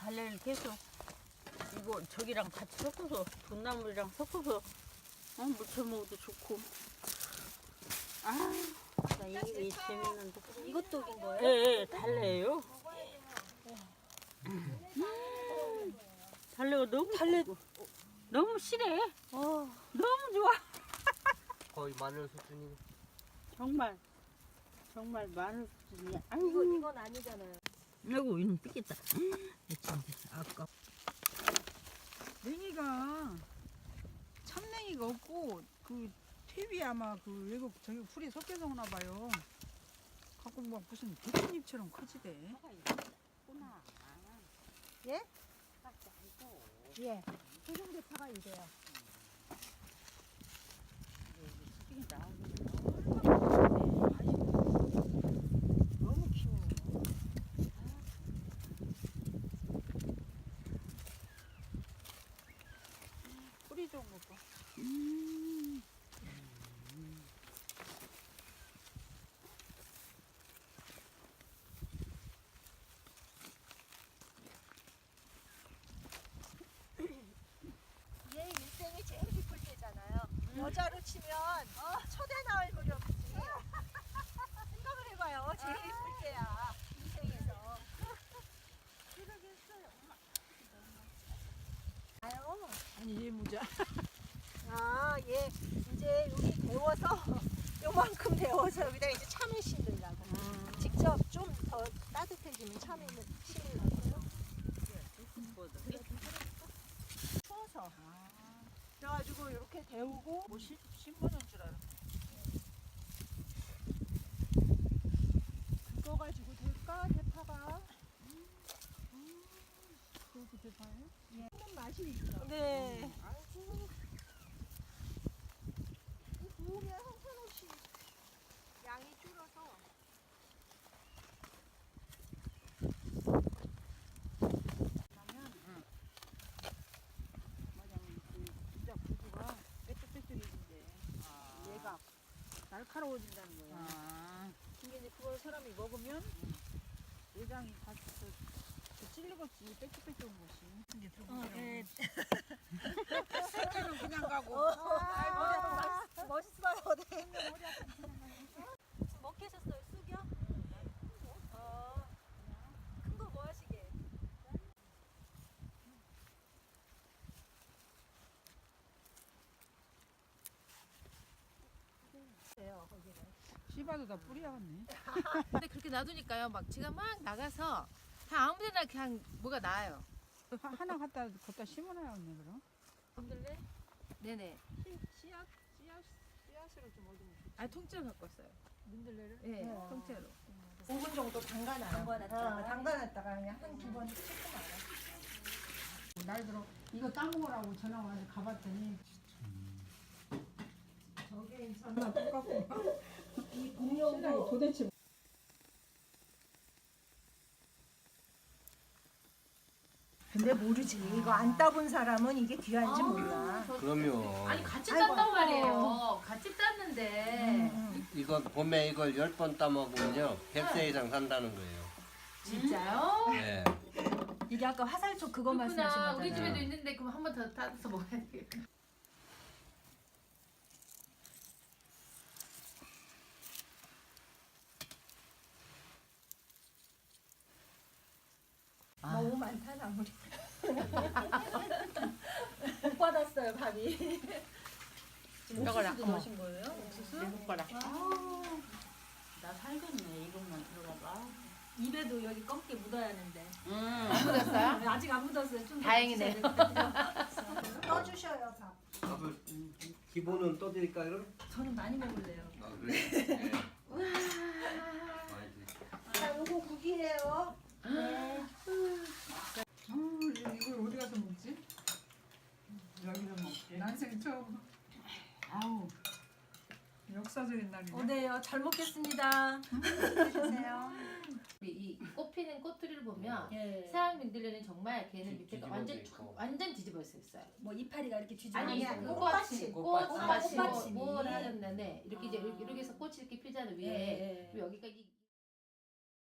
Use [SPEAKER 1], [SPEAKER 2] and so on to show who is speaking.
[SPEAKER 1] 갈래를 계속 이거 저기랑 같이 섞어서 돈나물이랑 섞어서 무쳐 먹어도 좋고. 나 이게 재밌는데.
[SPEAKER 2] 이것도 인 거예요?
[SPEAKER 1] 예, 달래요. 달래가 너무 달고 너무 실해. 너무 좋아.
[SPEAKER 3] 거의 마늘 수준이.
[SPEAKER 1] 정말 마늘 수준이야. 아이고
[SPEAKER 2] 이건 아니잖아요.
[SPEAKER 1] 아이고 이놈 삐겠다. 아까
[SPEAKER 4] 냉이가 참냉이가 없고 그 퇴비 아마 그 외국 저기 풀이 섞여서 오나 봐요. 갖고 막 무슨 대추잎처럼 커지대.
[SPEAKER 2] 예? 예. 소중대파가 이래요.
[SPEAKER 4] 너무 키워. 뿌리 좋은 거 봐.
[SPEAKER 2] 얘 일생이 제일 기쁠 때잖아요. 여자로 치면 초대 나올 물이 없지. 생각을 해봐요. 제일 기쁠 때야. 인생에서. 아유.
[SPEAKER 4] 아니 얘 모자.
[SPEAKER 2] 얘 이제 여기 데워서 요만큼 데워서 여기다 이제 참외 심으려고. 직접 좀 더 따뜻해지면 참외는 심으려고요. 추워서. 그래가지고 이렇게 데우고
[SPEAKER 4] 뭐 심어놓은 줄 알아.
[SPEAKER 2] 그거 가지고 될까 대파가?
[SPEAKER 4] 그것도 대파예요?
[SPEAKER 2] 먹는 맛이 있어. 네. 아이고. 이 구우면 형편없이 양이 줄어서.
[SPEAKER 4] 진짜 구두가 빽빽빽빽해진대. 얘가 날카로워진다는 거야. 근데 이제 그걸 사람이 먹으면 내장이 다시 찔리겠지. 빽빽빽한 것이. 이게 들어보세요. 색깔은 그냥 가고.
[SPEAKER 2] 멋있어요. 네. 먹게 하셨어요? 쑥이요? 큰 거 뭐 하시게?
[SPEAKER 4] 씹어도 다 뿌리야겠네.
[SPEAKER 5] 근데 그렇게 놔두니까요. 막 제가 막 나가서 다 아무데나 그냥 뭐가 나요.
[SPEAKER 4] 하나 갖다 심어놔야겠네 그럼.
[SPEAKER 2] 흔들래?
[SPEAKER 5] 네네.
[SPEAKER 4] 씨앗으로 좀 얻으면 좋지.
[SPEAKER 5] 아 통째로 갖고 왔어요.
[SPEAKER 4] 민들레를?
[SPEAKER 5] 네, 통째로.
[SPEAKER 2] 5분 정도 담가놨다가 담가놨다가 그냥 한 두 번 씻고 말아.
[SPEAKER 4] 날 들어 이거 따먹으라고 전화 와서 가봤더니
[SPEAKER 2] 저게
[SPEAKER 4] 하나 똑같고
[SPEAKER 2] 이 공룡도
[SPEAKER 4] 도대체
[SPEAKER 2] 근데 모르지. 이거 안 따본 사람은 이게 귀한지 몰라.
[SPEAKER 3] 그럼요.
[SPEAKER 5] 아니 같이
[SPEAKER 2] 아이고.
[SPEAKER 5] 땄단 말이에요. 같이 땄는데
[SPEAKER 3] 이거 봄에 이걸 10번 따먹으면요 100세 이상 산다는 거예요.
[SPEAKER 5] 진짜요?
[SPEAKER 3] 네.
[SPEAKER 2] 이게 아까 화살촉 그거 말씀하신
[SPEAKER 5] 그렇구나.
[SPEAKER 2] 거잖아요.
[SPEAKER 5] 우리 집에도 있는데 그럼 한 번 더 따서 먹어야 되겠다.
[SPEAKER 2] 너무 많다 나물이. 못 받았어요 밥이. 옥수수도 넣으신 거예요? 옥수수?
[SPEAKER 1] 손가락. 나 살겠네. 이것만 들어가봐.
[SPEAKER 2] 입에도 여기 검게 묻어야 하는데.
[SPEAKER 5] 안 묻었어요?
[SPEAKER 2] 아직 안 묻었어요. 좀
[SPEAKER 5] 다행이네.
[SPEAKER 2] 떠주셔요 밥.
[SPEAKER 3] 밥을 기본은 떠드릴까요?
[SPEAKER 2] 저는 많이 먹을래요.
[SPEAKER 3] 아 그래? 네. 많이 드릴게요.
[SPEAKER 2] 자, 요거 국이에요. 네.
[SPEAKER 4] 이걸 어디 가서 먹지? 여기서 먹게. 난생 처음. 아우 역사적인 날이네.
[SPEAKER 2] 네, 잘 먹겠습니다. 드세요.
[SPEAKER 5] 이 꽃피는 꽃들을 보면
[SPEAKER 2] 예.
[SPEAKER 5] 서양 민들레는 정말 걔는 밑에가
[SPEAKER 3] 뒤집어져
[SPEAKER 5] 완전
[SPEAKER 3] 있고.
[SPEAKER 5] 완전 뒤집어져 있어요.
[SPEAKER 2] 뭐 이파리가 이렇게 뒤집어
[SPEAKER 5] 아니
[SPEAKER 2] 있는 거.
[SPEAKER 5] 꽃받침,
[SPEAKER 3] 꽃받침.
[SPEAKER 5] 꽃받침,
[SPEAKER 2] 꽃받침이.
[SPEAKER 5] 뭘 하는데 이렇게 이제 이렇게 해서 꽃이 이렇게 피잖아요 위에.
[SPEAKER 2] 예, 예.
[SPEAKER 5] 그리고 여기가 이